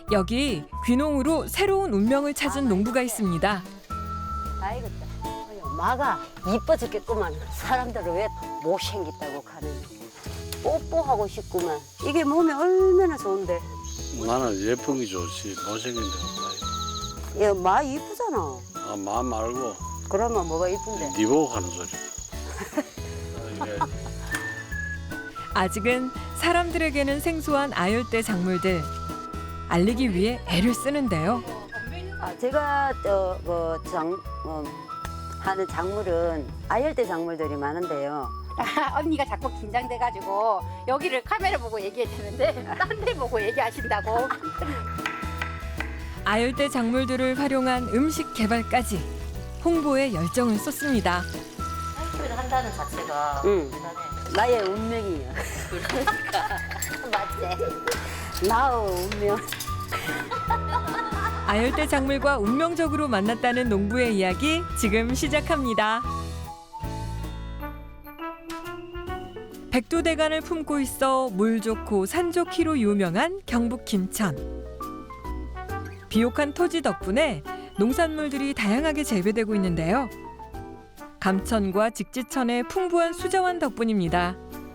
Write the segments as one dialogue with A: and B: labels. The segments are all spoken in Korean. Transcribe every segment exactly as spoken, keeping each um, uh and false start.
A: 여기 귀농으로 새로운 운명을 찾은 농부가 있습니다.
B: 아이겠다. 마가 이뻐 죽겠구만. 사람들은 왜 못생겼다고 가는. 뽀뽀하고 싶구만. 이게 몸에 얼마나 좋은데.
C: 나는 예쁜 게 좋지 못생긴 데 없다.
B: 야, 마 이쁘잖아.
C: 아, 마음 말고
B: 그러면 뭐가 이쁜데?
C: 니 보고 하는 소리. 이게
A: 아직은 사람들에게는 생소한 아열대 작물들. 알리기 위해 애를 쓰는데요.
B: 아, 제가 저뭐장 어, 하는 작물은 아열대 작물들이 많은데요.
D: 언니가 자꾸 긴장돼가지고 여기를 카메라 보고 얘기해야 되는데 딴 데 보고 얘기하신다고.
A: 아열대 작물들을 활용한 음식 개발까지 홍보에 열정을 쏟습니다.
E: 사이클을 한다는 자체가
B: 응.
E: 대단해.
B: 나의 운명이야.
E: 맞지?
B: 나의 운명.
A: 아열대 작물과 운명적으로 만났다는 농부의 이야기 지금 시작합니다. 백두대간을 품고 있어 물 좋고 산 좋기로 유명한 경북 김천. 비옥한 토지 덕분에 농산물들이 다양하게 재배되고 있는데요. 감천과 직지천의 풍부한 수자원 덕분입니다.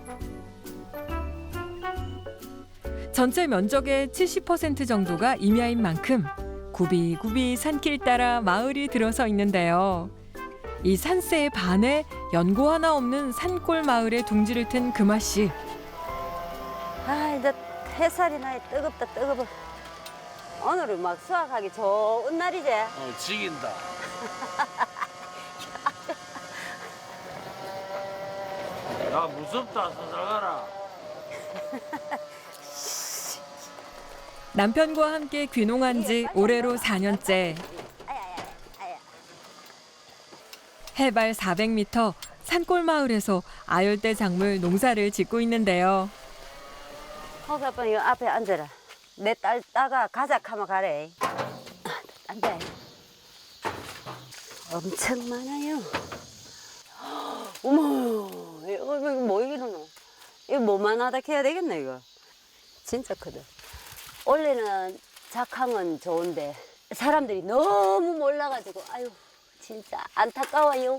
A: 전체 면적의 칠십 퍼센트 정도가 임야인 만큼 굽이굽이 산길 따라 마을이 들어서 있는데요. 이 산세에 반해 연고 하나 없는 산골 마을에 둥지를 튼 금아 씨.
B: 아, 이제 햇살이 나이 뜨겁다 뜨거워. 오늘은 막 수확하기 좋은 날이지.
C: 어, 지긴다. 야, 무섭다. 서들어가라.
A: 남편과 함께 귀농한 지 올해로 사 년째. 해발 사백 미터 산골 마을에서 아열대 작물 농사를 짓고 있는데요.
B: 허수 아빠 이 앞에 앉아라. 내 딸 따가 가자 하면 가래. 앉아. 엄청 많아요. 어머, 이거 이거 뭐 이러노? 이거 뭐만 하다 해야 되겠네 이거. 진짜 크다. 원래는 작황은 좋은데 사람들이 너무 몰라가지고 아유 진짜 안타까워요.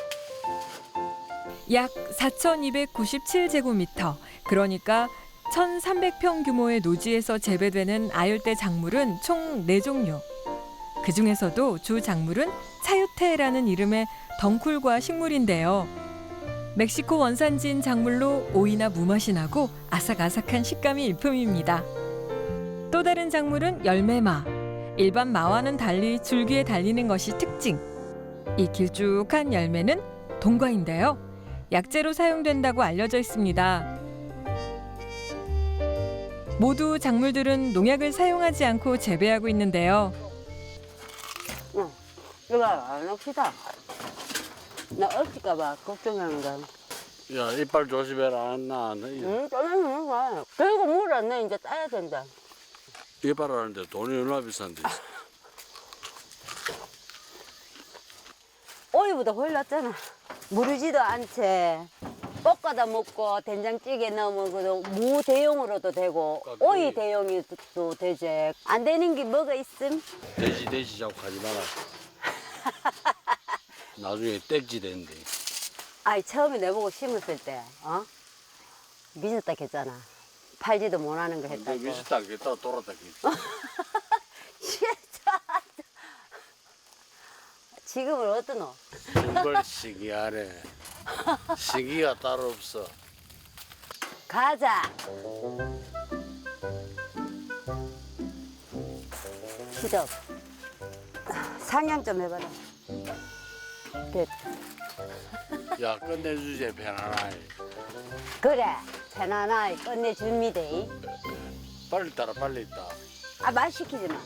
A: 약 사천이백구십칠 제곱미터, 그러니까 천삼백 평 규모의 노지에서 재배되는 아열대 작물은 총 네 종류. 그중에서도 주 작물은 차유테라는 이름의 덩쿨과 식물인데요. 멕시코 원산지인 작물로 오이나 무맛이 나고 아삭아삭한 식감이 일품입니다. 또 다른 작물은 열매마. 일반 마와는 달리 줄기에 달리는 것이 특징. 이 길쭉한 열매는 동과인데요. 약재로 사용된다고 알려져 있습니다. 모두 작물들은 농약을 사용하지 않고 재배하고 있는데요.
B: 응, 이거 안 옵시다. 나 엎질까봐 걱정하는 거야.
C: 야, 이빨 조심해라. 안 나.
B: 응, 떠나는 거야. 그리고 물 안 내, 이제 따야 된다.
C: 이빨 하는데 돈이 얼마나 비싼데.
B: 오이보다 훨씬 낫잖아. 무르지도 않지. 볶아다 먹고 된장찌개 넣어 먹어도 무 대용으로도 되고
C: 깎기.
B: 오이 대용이도 되지. 안 되는 게 뭐가 있음?
C: 돼지 돼지 자꾸 가지 마라. 나중에 땡지 된대.
B: 아이 처음에 내보고 심었을 때 어? 미쳤다 했잖아. 팔지도 못하는 거
C: 근데
B: 했다고.
C: 미쳤다 했다 돌았다 했다.
B: 진짜. 지금은 어떠노?
C: 정말 신기하네. 신기가 따로 없어.
B: 가자. 시작. 상향 좀 해봐라. 됐.
C: 야, 끝내주제 편안하게.
B: 그래. 편안하게 끝내줍니다.
C: 빨리 따라 빨리 따.
B: 아, 말 시키지 마.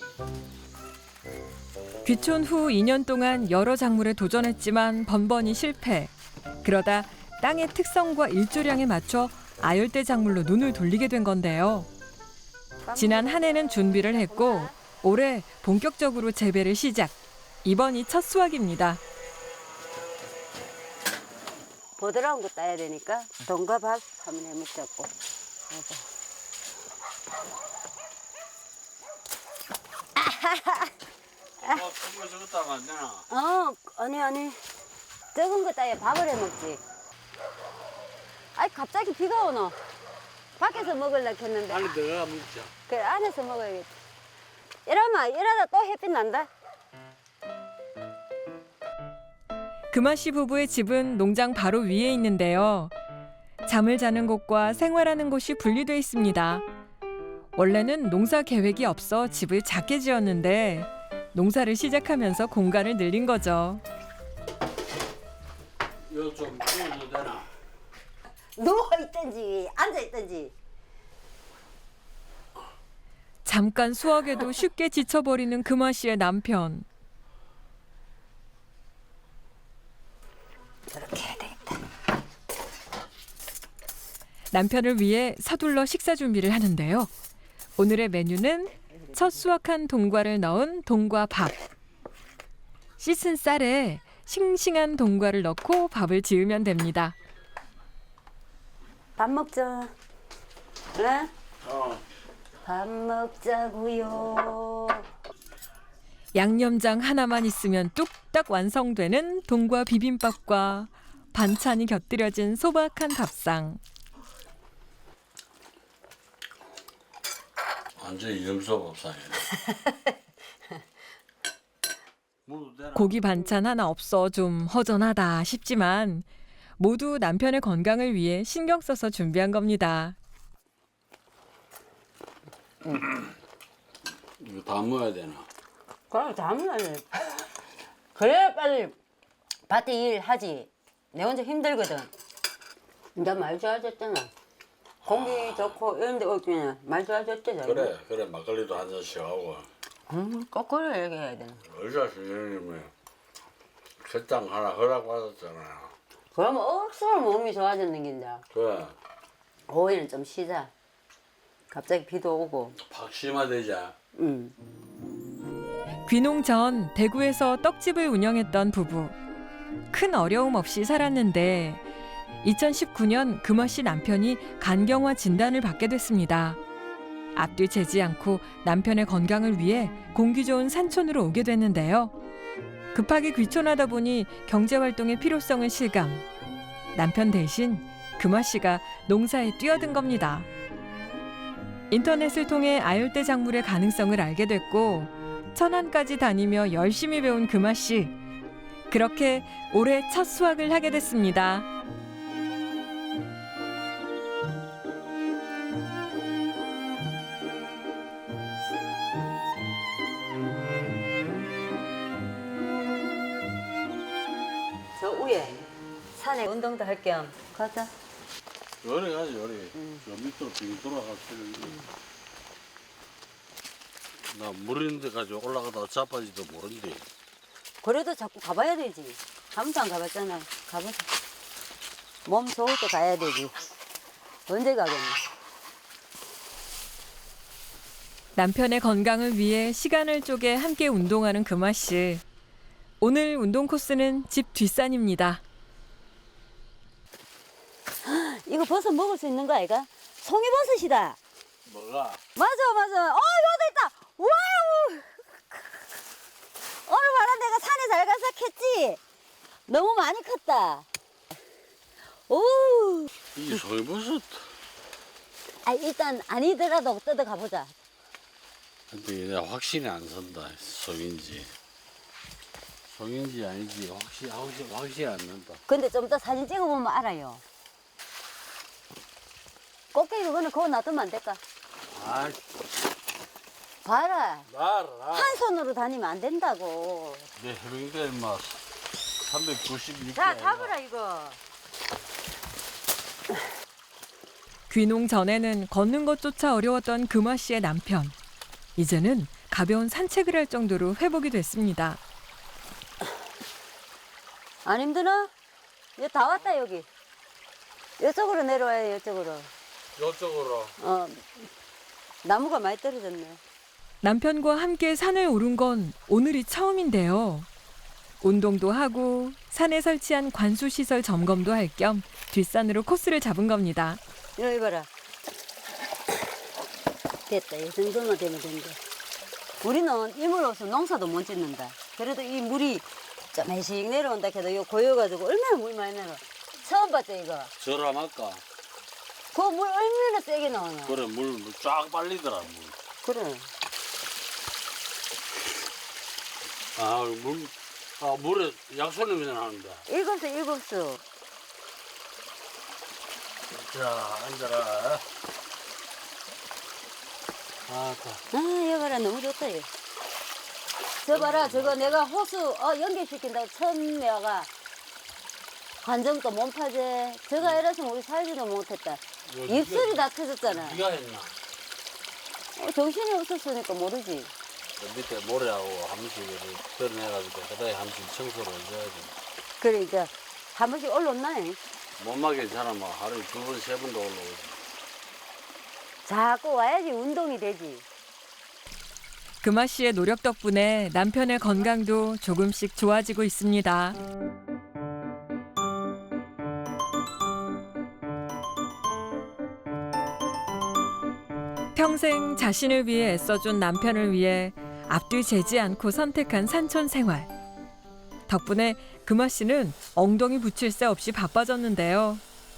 A: 귀촌 후 이 년 동안 여러 작물에 도전했지만 번번이 실패. 그러다 땅의 특성과 일조량에 맞춰 아열대 작물로 눈을 돌리게 된 건데요. 지난 한 해는 준비를 했고 올해 본격적으로 재배를 시작. 이번이 첫 수확입니다.
B: 보드라운 거 따야 되니까 돈과 밥 한번 해먹자고.
C: 어, 그거 저것도 하면 안 되나?
B: 어, 아니, 아니. 적은 거 따위 밥을 해 먹지. 아이, 갑자기 비가 오노. 밖에서 먹으려고 했는데.
C: 안에 들어가 먹자.
B: 그래, 안에서 먹어야겠다. 이러면, 이러다 또 햇빛 난다.
A: 금아 씨 부부의 집은 농장 바로 위에 있는데요. 잠을 자는 곳과 생활하는 곳이 분리돼 있습니다. 원래는 농사 계획이 없어 집을 작게 지었는데 농사를 시작하면서 공간을 늘린 거죠.
C: 이거 좀 구워도 되나?
B: 누워있든지, 앉아있든지.
A: 잠깐 수확에도 쉽게 지쳐버리는 금아 씨의 남편.
B: 저렇게 해야 되겠다.
A: 남편을 위해 서둘러 식사 준비를 하는데요. 오늘의 메뉴는 첫 수확한 동과를 넣은 동과밥. 씻은 쌀에 싱싱한 동과를 넣고 밥을 지으면 됩니다.
B: 밥 먹자. 네?
C: 어.
B: 밥 먹자고요.
A: 양념장 하나만 있으면 뚝딱 완성되는 동과 비빔밥과 반찬이 곁들여진 소박한 밥상.
C: 완전 이름소 밥상이네. 먹어도 되나?
A: 고기 반찬 하나 없어 좀 허전하다 싶지만 모두 남편의 건강을 위해 신경 써서 준비한 겁니다.
C: 이거 다 먹어야 되나?
B: 그럼 당연하지. 그래야 빨리 밭에 일하지. 내 혼자 힘들거든. 이제 말 좋아졌잖아. 공기 좋고 이런 데 없잖아. 말 좋아졌잖아.
C: 그래, 그래. 막걸리도 한 잔씩 하고.
B: 음, 거꾸로 얘기해야 되나.
C: 의사 선생님이 식당 하나 허락받았잖아요.
B: 그러면 억수로 몸이 좋아졌는 긴데.
C: 그래.
B: 오후에는 좀 쉬자. 갑자기 비도 오고.
C: 박심화되자.
B: 응.
A: 귀농 전 대구에서 떡집을 운영했던 부부. 큰 어려움 없이 살았는데 이천십구 년 금아 씨 남편이 간경화 진단을 받게 됐습니다. 앞뒤 재지 않고 남편의 건강을 위해 공기 좋은 산촌으로 오게 됐는데요. 급하게 귀촌하다 보니 경제활동의 필요성을 실감. 남편 대신 금아 씨가 농사에 뛰어든 겁니다. 인터넷을 통해 아열대 작물의 가능성을 알게 됐고 천안까지 다니며 열심히 배운 금아 씨. 그렇게 올해 첫 수확을 하게 됐습니다.
B: 저 위에 산에 운동도 할 겸 가자.
C: 요리 가지, 요리. 저 밑으로 빙 돌아갈 필요 나 물인데 가지고 올라가다가 자빠지도 모른대.
B: 그래도 자꾸 가봐야 되지. 한 번도 안 가봤잖아. 가보자. 몸 좋을 때 가야 되지. 언제 가겠니?
A: 남편의 건강을 위해 시간을 쪼개 함께 운동하는 금아 씨. 오늘 운동 코스는 집 뒷산입니다.
B: 이거 버섯 먹을 수 있는 거 아이가? 송이버섯이다.
C: 뭐가?
B: 맞아, 맞아. 어, 여기 있다. 와우. 오늘 봐라, 내가 산에 잘 가서 캤지. 너무 많이 컸다. 오.
C: 이게 소이버섯.
B: 아, 일단 아니더라도 뜯어 가보자.
C: 근데 내가 확신이 안 선다. 속인지. 속인지 아닌지 확실, 확실, 확실히 안 난다.
B: 근데 좀 더 사진 찍어보면 알아요. 꽃게 그거는 그거 놔두면 안 될까?
C: 아,
B: 봐라.
C: 나라.
B: 한 손으로 다니면 안 된다고.
C: 내 해병대 인마 삼백구십육 개.
B: 자, 잡으라 이거.
A: 귀농 전에는 걷는 것조차 어려웠던 금아 씨의 남편. 이제는 가벼운 산책을 할 정도로 회복이 됐습니다.
B: 안 힘드나? 이거 다 왔다 여기. 이쪽으로 내려와요, 이쪽으로.
C: 이쪽으로.
B: 어, 나무가 많이 떨어졌네.
A: 남편과 함께 산을 오른 건 오늘이 처음인데요. 운동도 하고 산에 설치한 관수시설 점검도 할 겸 뒷산으로 코스를 잡은 겁니다.
B: 이거 봐라. 됐다. 이 정도만 되면 된다. 우리는 이물 없으면 농사도 못 짓는다. 그래도 이 물이 조금씩 내려온다 해도 이거 고여가지고 얼마나 물 많이 내려. 처음 봤죠 이거.
C: 저렴할까?
B: 그 물 얼마나 세게 나오냐.
C: 그래 물 쫙 빨리더라 물.
B: 그래.
C: 아 물, 아 물에 약소리 그냥 나는다.
B: 일곱 수 일곱 수.
C: 자 앉아라. 아, 자.
B: 아 여봐라 너무 좋다 이거. 저 봐라 저거 내가 호수 어, 연결시킨다고 처음 내가 관정도 몸파제 저거 이랬으면 우리 살지도 못했다. 입술이 다 터졌잖아.
C: 네가 했나?
B: 어, 정신이 없었으니까 모르지.
C: 저 밑에 모래하고 한 번씩 덜어내가지고 그다음에 한 번씩 청소를 해줘야지.
B: 그래 이제 한 번씩 올라온나.
C: 몸만 괜찮으면 하루에 두 번, 세 번도 올라오지.
B: 자꾸 와야지 운동이 되지.
A: 금아 씨의 노력 덕분에 남편의 건강도 조금씩 좋아지고 있습니다. 평생 자신을 위해 애써준 남편을 위해 앞뒤 재지 않고 선택한 산촌 생활. 덕분에 금아 씨는 엉덩이 붙일 새 없이 바빠졌는데요.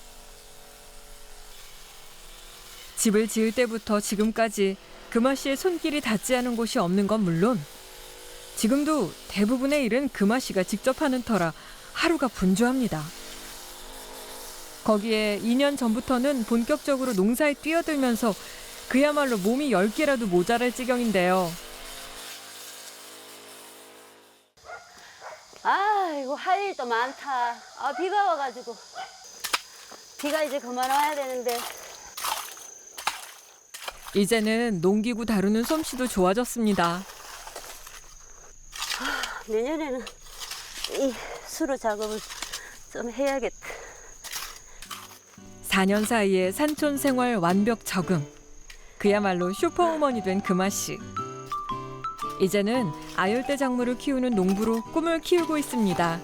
A: 집을 지을 때부터 지금까지 금아 씨의 손길이 닿지 않은 곳이 없는 건 물론 지금도 대부분의 일은 금아 씨가 직접 하는 터라 하루가 분주합니다. 거기에 이 년 전부터는 본격적으로 농사에 뛰어들면서 그야말로 몸이 열 개라도 모자랄 지경인데요.
B: 아이고 할 일도 많다. 아 비가 와가지고 비가 이제 그만 와야 되는데.
A: 이제는 농기구 다루는 솜씨도 좋아졌습니다.
B: 내년에는 이 수로 작업을 좀 해야겠다.
A: 사 년 사이에 산촌 생활 완벽 적응. 그야말로 슈퍼우먼이 된 금아 씨. 이제는 아열대 작물을 키우는 농부로 꿈을 키우고 있습니다.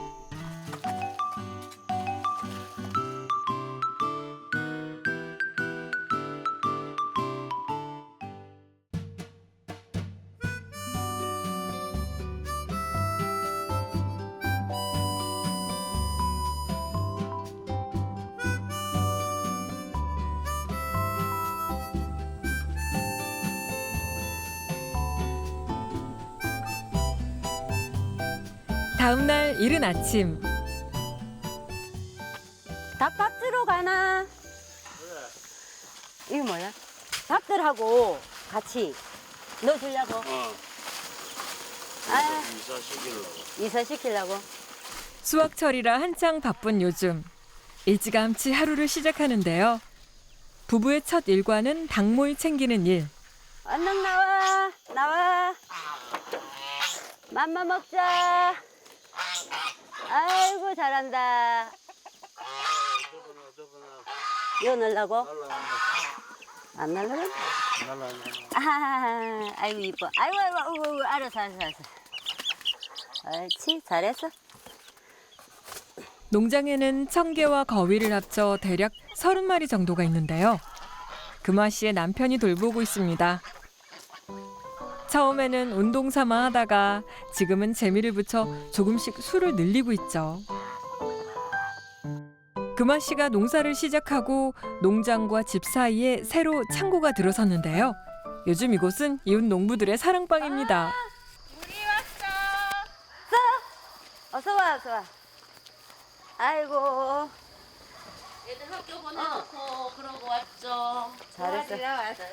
A: 다음 날 이른 아침.
B: 닭밭으로 가나? 이거 뭐야? 닭들하고 같이 넣어주려고.
C: 어.
B: 아,
C: 이사 시키려고.
B: 이사 시키려고.
A: 수확철이라 한창 바쁜 요즘. 일찌감치 하루를 시작하는데요. 부부의 첫 일과는 닭모이 챙기는 일.
B: 얼른 나와, 나와. 맘마 먹자. 아이고 잘한다. 이거 넣으려고? 안 날라가? 아, 아이고 이뻐. 아이고 아이고 아이고, 아이고 알았어 알았어 알았어. 옳지 잘했어.
A: 농장에는 청개와 거위를 합쳐 대략 서른 마리 정도가 있는데요. 금아 씨의 남편이 돌보고 있습니다. 처음에는 운동 삼아 하다가 지금은 재미를 붙여 조금씩 수를 늘리고 있죠. 금아 씨가 농사를 시작하고 농장과 집 사이에 새로 창고가 들어섰는데요. 요즘 이곳은 이웃 농부들의 사랑방입니다.
D: 우리 왔어.
B: 어서 와 어서 와. 아이고
E: 애들 학교 보내놓고 그러고 왔죠.
B: 잘했어.
D: 왔어.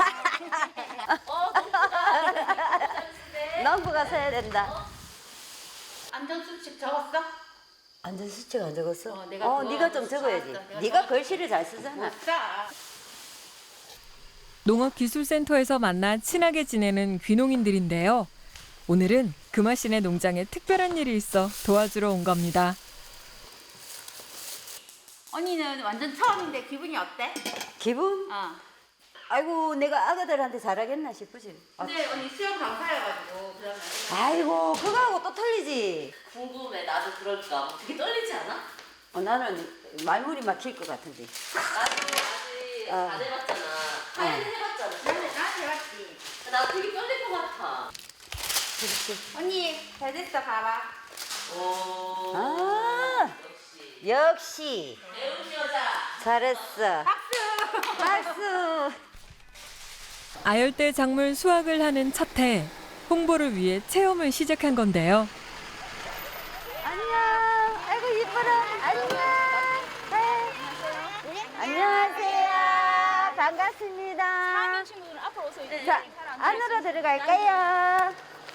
E: 어, 농부가
B: 농부가 서야 된다.
E: 안전수칙 적었어?
B: 안전 수칙 안 적었어?
E: 어, 내가
B: 어,
E: 그거
B: 네가 좀
E: 적었어.
B: 적어야지.
E: 내가
B: 네가
E: 적었어.
B: 글씨를 잘 쓰잖아.
D: 싸.
A: 농업기술센터에서 만나 친하게 지내는 귀농인들인데요. 오늘은 금아 씨네 농장에 특별한 일이 있어 도와주러 온 겁니다.
D: 언니는 완전 처음인데 기분이 어때?
B: 기분?
D: 어.
B: 아이고 내가 아가들한테 잘하겠나 싶으지. 아,
D: 근데 언니 수영 강사여가지고 그러면
B: 아이고 그거하고 또 틀리지.
E: 궁금해. 나도 그럴까. 뭐 되게 떨리지 않아?
B: 어, 나는 말문이 막힐 것 같은데.
E: 나도 아직
B: 어.
E: 안 해봤잖아. 하연이 해봤잖아.
D: 나한테 나한테 해봤지.
E: 나 되게 떨릴 것 같아.
B: 그렇지.
D: 언니 잘 됐어 봐봐.
E: 오.
B: 아, 역시.
E: 배운 여자.
B: 잘했어.
D: 박수.
B: 박수.
A: 아열대 작물 수확을 하는 첫 해, 홍보를 위해 체험을 시작한 건데요.
B: 안녕. 아이고 이뻐라. 안녕. 네. 안녕하세요. 반갑습니다.
D: 친구들은 앞으로 오세요. 이제
B: 자, 안으로 들어갈까요?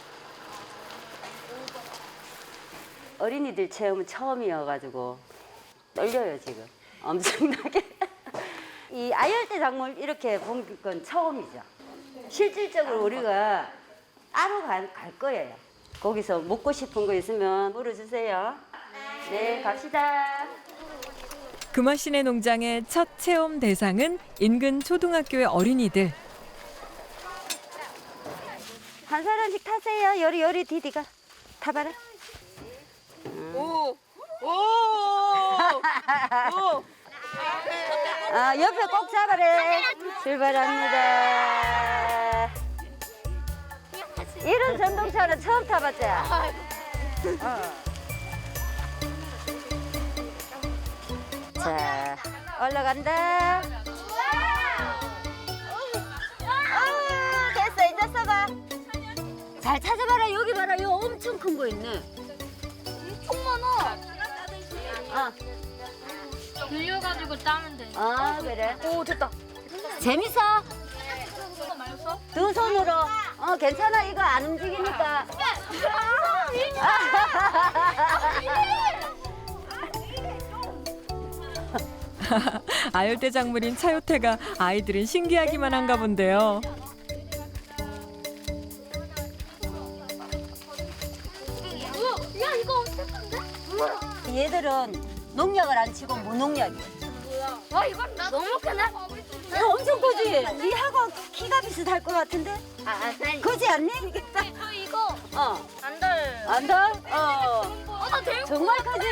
B: 어린이들 체험은 처음이어가지고 떨려요 지금. 엄청나게. 이 아열대 작물 이렇게 본 건 처음이죠. 실질적으로 우리가 따로 갈, 갈 거예요. 거기서 먹고 싶은 거 있으면 물어주세요. 네, 갑시다.
A: 금화씨네 농장의 첫 체험 대상은 인근 초등학교의 어린이들.
B: 한 사람씩 타세요. 요리 요리 디디가 타봐라.
D: 오. 오. 오.
B: 아, 옆에 꼭 잡아래. 출발합니다. 이런 전동차는 처음 타봤지? 어. 자, 올라간다. 어, 됐어, 이제 써봐. 잘 찾아봐라. 여기 봐라. 이거 엄청 큰 거 있네.
F: 엄청 많아.
B: 어.
F: 돌려가지고 따면 돼.
B: 아, 그래?
F: 오, 됐다.
B: 재밌어?
F: 이거 말렸어?
B: 두 손으로. 어, 괜찮아. 이거 안 움직이니까.
A: 아열대 작물인 차요태가 아이들은 신기하기만 한가 본데요.
F: 야, 이거 엄청 큰데?
B: 얘들은 농약을 안 치고 무농약이야.
F: 와, 이건 너무 크네.
B: 이거 엄청 크지? 니하고 키가 비슷할 것 같은데?
F: 아, 아, 나
B: 그지 않니?
F: 저 이거
B: 어.
F: 안 달.
B: 안 더? 어.
F: 어, 나 되게
B: 정말 크지?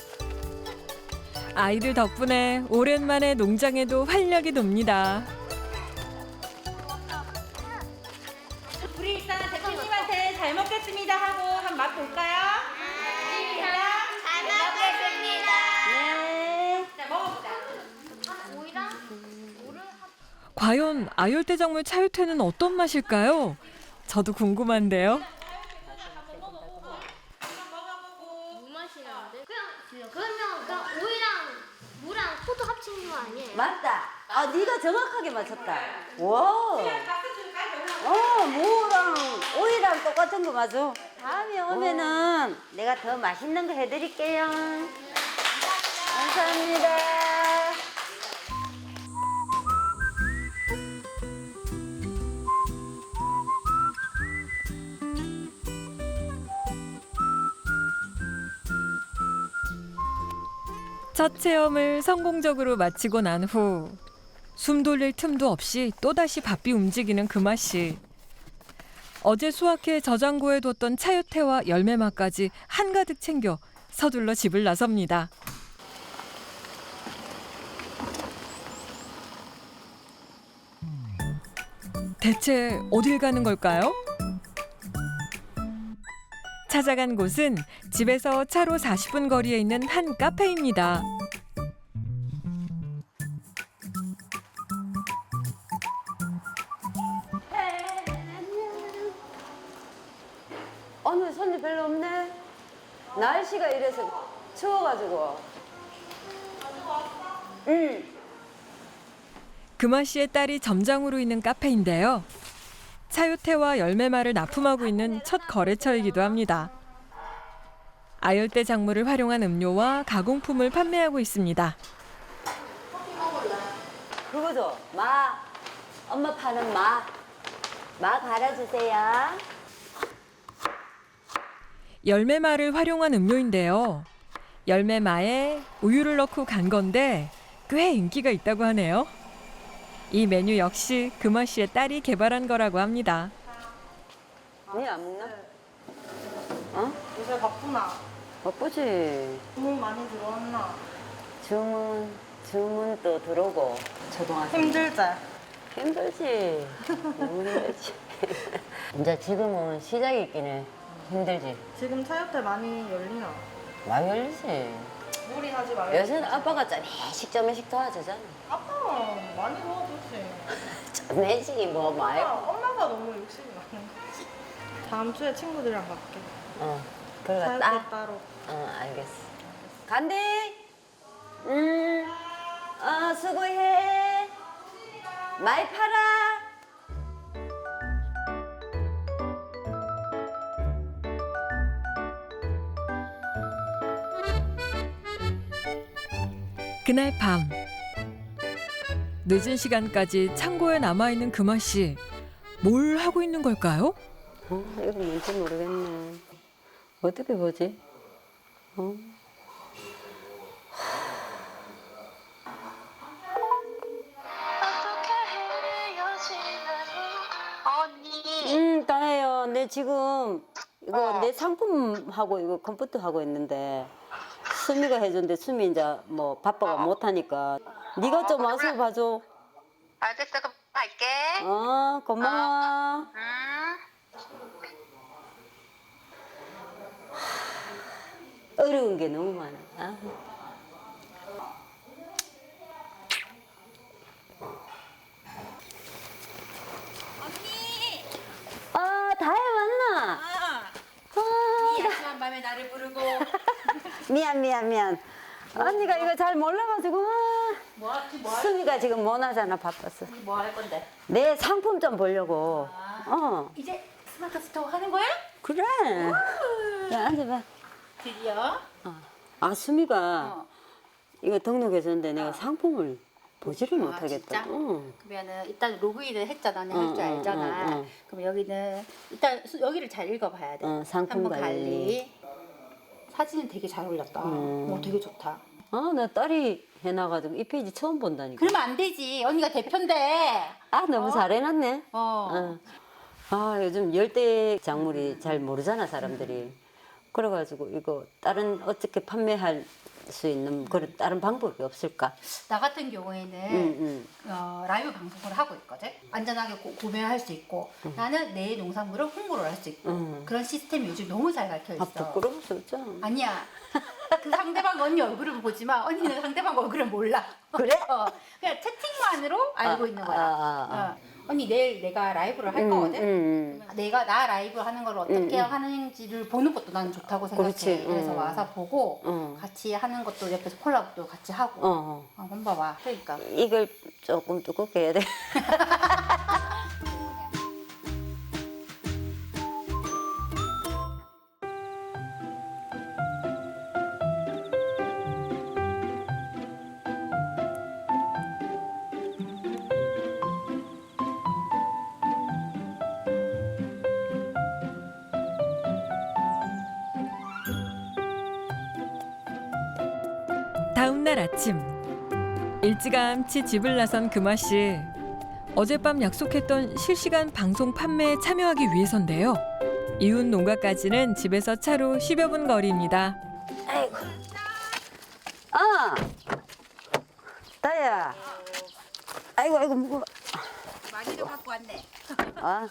A: 아이들 덕분에 오랜만에 농장에도 활력이 돕니다.
D: 우리 일단 대표님한테 잘 먹겠습니다 하고 한 맛 볼까요?
F: 잘 먹겠습니다.
B: 네.
D: 자, 먹어보자.
F: 오이랑
A: 과연 아열대 작물 차요태는 어떤 맛일까요? 저도 궁금한데요.
F: 무 맛이 나는데? 그냥 그러면 그냥 오이랑 무랑 포도 합친 거 아니에요?
B: 맞다. 아, 네가 정확하게 맞췄다. 와.
D: 박수 줄까요?
B: 어, 무랑 오이랑 똑같은 거 맞아. 다음에 오면은 내가 더 맛있는 거 해드릴게요. 감사합니다.
A: 첫 체험을 성공적으로 마치고 난 후 숨 돌릴 틈도 없이 또다시 바삐 움직이는 금아씨. 어제 수확해 저장고에 뒀던 차요태와 열매맛까지 한가득 챙겨 서둘러 집을 나섭니다. 대체 어딜 가는 걸까요? 찾아간 곳은 집에서 차로 사십 분 거리에 있는 한 카페입니다.
B: 오늘 손님 별로 없네. 날씨가 이래서 추워가지고. 응.
A: 금아 씨의 딸이 점장으로 있는 카페인데요. 차요태와 열매말을 납품하고 있는 첫 거래처이기도 합니다. 아열대 작물을 활용한 음료와 가공품을 판매하고 있습니다.
B: 그거죠. 마. 엄마 파는 마. 마 갈아주세요.
A: 열매말을 활용한 음료인데요. 열매마에 우유를 넣고 간 건데 꽤 인기가 있다고 하네요. 이 메뉴 역시 금아 씨의 딸이 개발한 거라고 합니다.
B: 니 안 먹나? 어?
G: 요새 바쁘나?
B: 바쁘지.
G: 주문 많이 들어왔나?
B: 주문, 주문 또 들어오고. 초등학생.
G: 힘들지?
B: 힘들지. 너무 힘들지. 이제 지금은 시작이 있긴 해. 힘들지.
G: 지금 차협대 많이 열리나?
B: 많이 열리지.
G: 무리하지 말고.
B: 요새는 아빠가 짜매식 짜매식 도와주잖아.
G: 아빠가 많이 도와줬지.
B: 짜매식이 뭐
G: 엄마,
B: 말고.
G: 엄마가 너무 욕심이 많은 거지. 다음 주에 친구들이랑 갈게.
B: 어, 그러다
G: 차협대
B: 딱.
G: 따로.
B: 어, 알겠어. 간대. 음, 어, 수고해. 많이 팔아.
A: 그날 밤 늦은 시간까지 창고에 남아있는 금아 씨. 뭘 하고 있는 걸까요?
B: 어, 이거 뭔지 모르겠네. 어떻게 보지? 어?
F: 언니.
B: 응, 다혜요. 내 지금 이거
F: 어.
B: 내 상품하고 이거 컴퓨터 하고 있는데 수미가 해준대. 수미 이제 뭐 바빠가 못 하니까 네가 좀 와서 봐줘.
F: 알겠어, 그럼 갈게.
B: 어, 고마워.
F: 음.
B: 어려운 게 너무 많아. 아.
D: 언니.
B: 아, 다혜 왔나?
D: 아.
B: 아,
D: 이 야심한 밤에 나를 부르고.
B: 미안, 미안, 미안. 언니가 이거 잘 몰라가지고. 아.
D: 뭐 할지 뭐 할,
B: 수미가 지금 못 하잖아, 바빴어.
D: 뭐 할 건데?
B: 내 상품 좀 보려고. 어,
D: 이제 스마트 스토어 하는 거야?
B: 그래. 야, 앉아봐.
D: 드디어.
B: 아, 수미가
D: 어.
B: 이거 등록해줬는데 내가 상품을 보지를
D: 아,
B: 못하겠다.
D: 진짜?
B: 응.
D: 그러면은 일단 로그인을 했잖아. 내가
B: 응,
D: 할 줄
B: 응,
D: 알잖아.
B: 응, 응.
D: 그럼 여기는 일단 수- 여기를 잘 읽어봐야 돼.
B: 어, 상품
D: 관리.
B: 관리.
D: 사진은 되게 잘 올렸다.
B: 음.
D: 어, 되게 좋다.
B: 아, 나 딸이 해놔가지고 이 페이지 처음 본다니까.
D: 그러면 안 되지. 언니가 대표인데.
B: 아, 너무 잘해놨네.
D: 어.
B: 어. 아, 요즘 열대 작물이 잘 모르잖아, 사람들이. 그래가지고 이거 다른 어떻게 판매할 수 있는 그런 다른 방법이 없을까?
D: 나 같은 경우에는
B: 응, 응.
D: 어, 라이브 방송을 하고 있거든. 안전하게 고, 구매할 수 있고 나는 내 농산물을 홍보를 할 수 있고
B: 응.
D: 그런 시스템이 요즘 너무 잘 갖춰 있어.
B: 아, 부끄러워서 어쩌
D: 아니야. 그 상대방 언니 얼굴을 보지만 언니는 상대방 얼굴을 몰라.
B: 그래?
D: 어, 그냥 채팅만으로 알고
B: 아,
D: 있는 거야.
B: 아, 아, 아.
D: 어. 언니 내일 내가 라이브를 할
B: 응,
D: 거거든.
B: 응, 응.
D: 내가 나 라이브 하는 걸 어떻게
B: 응, 응.
D: 하는지를 보는 것도 나는 좋다고 생각해.
B: 그렇지,
D: 그래서
B: 응.
D: 와서 보고
B: 응.
D: 같이 하는 것도 옆에서 콜라보도 같이 하고.
B: 어, 어.
D: 어, 한번 봐봐. 그러니까.
B: 이걸 조금 두껍게 해야 돼.
A: 다음 날 아침 일찌감치 집을 나선 금아 씨. 어젯밤 약속했던 실시간 방송 판매에 참여하기 위해서인데요. 이웃 농가까지는 집에서 차로 십여 분 거리입니다.
B: 아이고. 아, 다야. 아이고, 아이고, 무거워.
D: 많이도 갖고 왔네.
B: 아,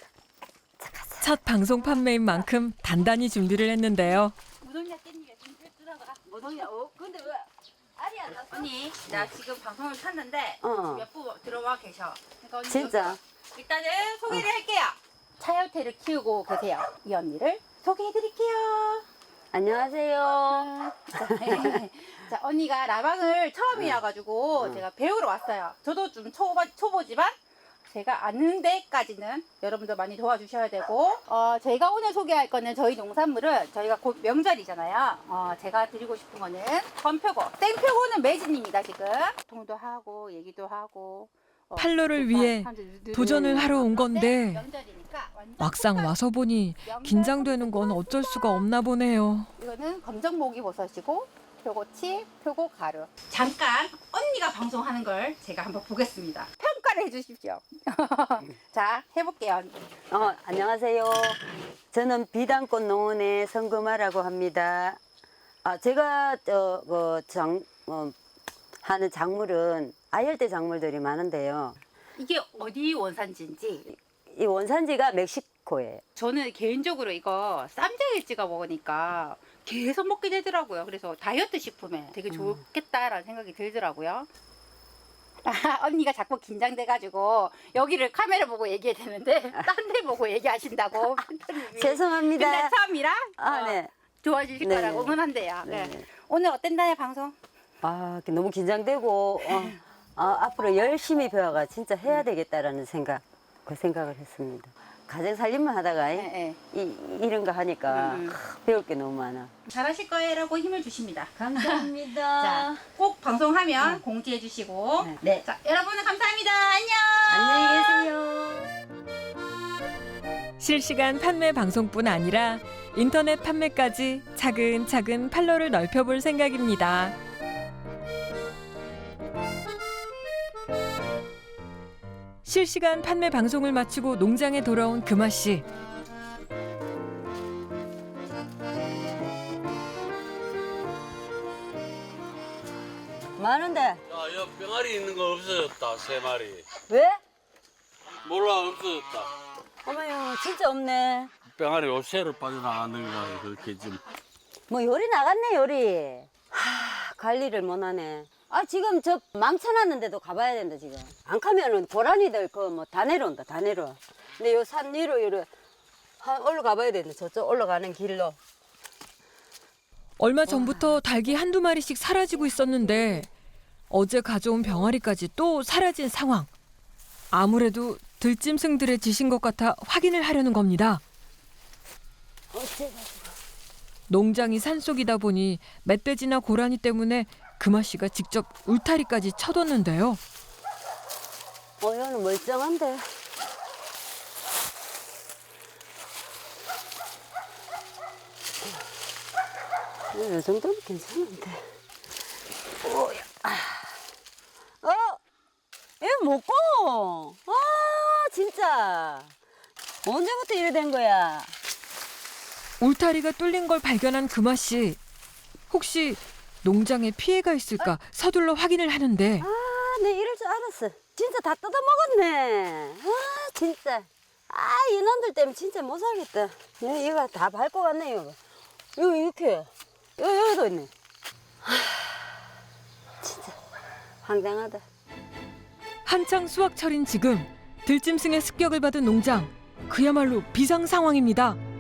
A: 첫 방송 판매인 만큼 단단히 준비를 했는데요.
D: 무동이가 깻잎에 좀 들어가.
B: 무동이야. 어, 근데 왜 알이 안 났어?
D: 언니, 나 지금 방송을 탔는데
B: 어.
D: 몇 분 들어와 계셔. 그러니까 언니
B: 진짜?
D: 여기 일단은 소개를 할게요. 차요태를 키우고 계세요. 이 언니를 소개해드릴게요.
B: 안녕하세요.
D: 자, 언니가 라방을 처음이어가지고
B: 응.
D: 제가 배우러 왔어요. 저도 좀 초보, 초보지만 제가 아는 데까지는 여러분들 많이 도와주셔야 되고 어, 저희가 오늘 소개할 거는 저희 농산물은 저희가 곧 명절이잖아요. 어, 제가 드리고 싶은 거는 건표고 생표고는 매진입니다. 지금 통도 하고 얘기도 하고 어,
A: 팔로를
D: 좋다.
A: 위해
D: 사람들이 누르는
A: 도전을 하러 온
D: 네,
A: 건데
D: 명절이니까 완전
A: 막상
D: 똑같-
A: 와서 보니
D: 명절
A: 긴장되는 건 어쩔 수가 없나 보네요.
D: 이거는 검정모기 버섯이고 표고치, 표고 가루. 잠깐 언니가 방송하는 걸 제가 한번 보겠습니다. 평가를 해주십시오. 자, 해볼게요. 언니.
B: 어, 안녕하세요. 저는 비단꽃 농원의 성금아라고 합니다. 아, 제가 저, 그 장, 어, 하는 작물은 아열대 작물들이 많은데요.
D: 이게 어디 원산지인지
B: 이 원산지가 멕시코 코에.
D: 저는 개인적으로 이거 쌈장에 찍어 먹으니까 계속 먹게 되더라고요. 그래서 다이어트 식품에 되게 좋겠다라는 생각이 들더라고요. 아, 언니가 자꾸 긴장돼가지고 여기를 카메라 보고 얘기해야 되는데 딴 데 보고 얘기하신다고.
B: 죄송합니다.
D: 근데 처음이라
B: 아,
D: 어,
B: 네.
D: 좋아지실
B: 네.
D: 거라고 응원한대요.
B: 네.
D: 네. 오늘 어땠나요 방송?
B: 아, 너무 긴장되고 어, 아, 앞으로 열심히 배워가 진짜 해야 되겠다라는 생각, 그 생각을 했습니다. 가정 살림만 하다가
D: 네, 네.
B: 이, 이런 거 하니까
D: 음, 음.
B: 하, 배울 게 너무 많아.
D: 잘하실 거예요라고 힘을 주십니다.
B: 감사합니다.
D: 자, 꼭 방송하면 공지해 주시고.
B: 네.
D: 자, 여러분은 감사합니다. 안녕.
B: 안녕히 계세요.
A: 실시간 판매 방송뿐 아니라 인터넷 판매까지 차근차근 판로를 넓혀볼 생각입니다. 실시간 판매 방송을 마치고 농장에 돌아온 금아 씨.
B: 많은데
C: 야, 야, 병아리 있는 거 없어졌다, 세 마리.
B: 왜?
C: 몰라, 없어졌다.
B: 어머요, 진짜 없네.
C: 병아리 옷새로 빠져나가는 거야, 그렇게 좀.
B: 뭐 요리 나갔네 요리. 하, 관리를 못하네. 아 지금 저 망쳐놨는데도 가봐야 된다 지금. 안 가면은 고라니들 그 뭐 다 내려온다 다 내려와. 근데 요 산 위로 이로 한 올라가봐야 된다. 저쪽 올라가는 길로.
A: 얼마 전부터 닭이 한두 마리씩 사라지고 있었는데 어제 가져온 병아리까지 또 사라진 상황. 아무래도 들짐승들의 짓인 것 같아 확인을 하려는 겁니다.
B: 어째가지고.
A: 농장이 산속이다 보니 멧돼지나 고라니 때문에 금아 씨가 직접 울타리까지 쳐뒀는데요.
B: 어 얘는 멀쩡한데. 이 정도면 괜찮은데. 오야. 어? 얘 먹고. 아 진짜. 언제부터 이래 된 거야?
A: 울타리가 뚫린 걸 발견한 금아 씨. 혹시 농장에 피해가 있을까 서둘러 확인을 하는데
B: 아, 내 이럴 줄 알았어. 진짜 다 뜯어 먹었네. 아, 진짜. 아, 이놈들 때문에 진짜 못 살겠다. 이거, 이거 다 밟고 갔네, 이거. 이거 이렇게. 여기, 여기도 있네. 아, 진짜 황당하다.
A: 한창 수확철인 지금 들짐승의 습격을 받은 농장. 그야말로 비상 상황입니다.